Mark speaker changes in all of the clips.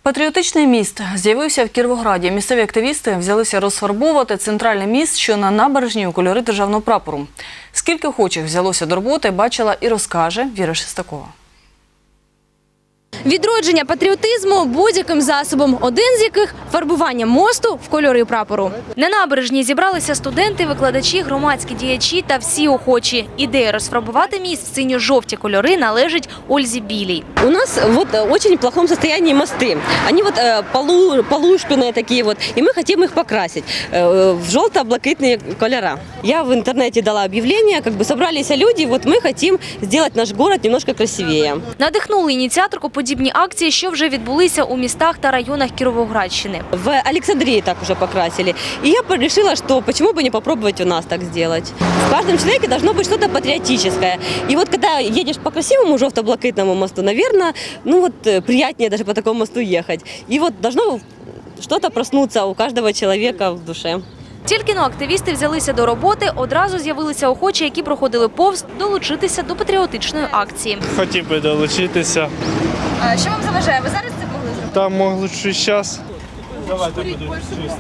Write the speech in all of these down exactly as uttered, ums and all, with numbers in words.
Speaker 1: Патріотичний міст з'явився в Кіровограді. Місцеві активісти взялися розфарбовувати центральний міст, що на набережній у кольори державного прапору. Скільки охочих взялося до роботи, бачила і розкаже Віра Шестакова.
Speaker 2: Відродження патріотизму будь-яким засобом, один з яких – фарбування мосту в кольори прапору. На набережній зібралися студенти, викладачі, громадські діячі та всі охочі. Ідея розфарбувати міст в синьо-жовті кольори належить Ользі Білій.
Speaker 3: У нас вот в очень плохом состоянии мосты. Они вот э, полу, полушпенные такие вот, и мы хотим их покрасить э, в желто-блакитные колера. Я в интернете дала объявление, как бы собрались люди, вот мы хотим сделать наш город немножко красивее.
Speaker 2: Надихнули ініціаторку подібні акції, що вже відбулися у містах та районах Кіровоградщини.
Speaker 3: В Александрии так уже покрасили. И я решила, что почему бы не попробовать у нас так сделать. В каждом человеке должно быть что-то патриотическое. И вот когда едешь по красивому желто-блакитному мосту, наверное, ну вот приятнее даже по такому мосту ехать. И вот должно что-то проснуться у каждого человека в душе.
Speaker 2: Тільки-но активісти взялися до роботи, одразу з'явилися охочі, які проходили повз, долучитися до патріотичної акції.
Speaker 4: Хотів би долучитися.
Speaker 2: А що вам заважає? Ви зараз це могли зробити?
Speaker 4: Там могли щось час. Давайте буду чистити.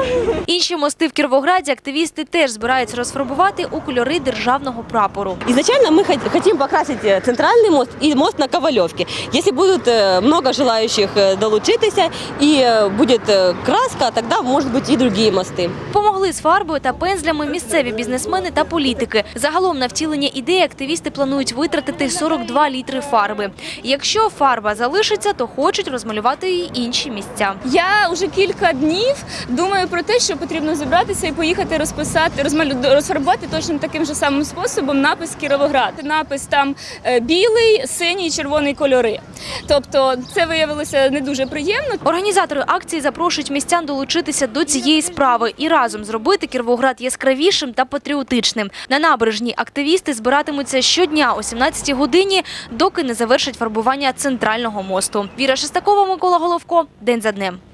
Speaker 2: Інші мости в Кіровограді активісти теж збираються розфарбувати у кольори державного прапору.
Speaker 3: Изначально мы хотим покрасить центральный мост и мост на Ковалевке. Если будет много желающих долучитися и будет краска, тогда может быть и другие мосты.
Speaker 2: Помогли з фарбою та пензлями місцеві бізнесмени та політики. Загалом на втілення ідеї активісти планують витратити сорок два літри фарби. Якщо фарба залишиться, то хочуть розмалювати і інші місця.
Speaker 5: Я вже кілька днів думаю про те, що потрібно зібратися і поїхати розписати, розмалю... розфарбувати точно таким же самим способом напис «Кіровоград». Напис там білий, синій, червоний кольори. Тобто це виявилося не дуже приємно.
Speaker 2: Організатори акції запрошують містян долучитися до цієї справи і разом зробити Кіровоград яскравішим та патріотичним. На набережній активісти збиратимуться щодня о сімнадцятій годині, доки не завершать фарбування центрального мосту. Віра Шестакова, Микола Головко. День за днем.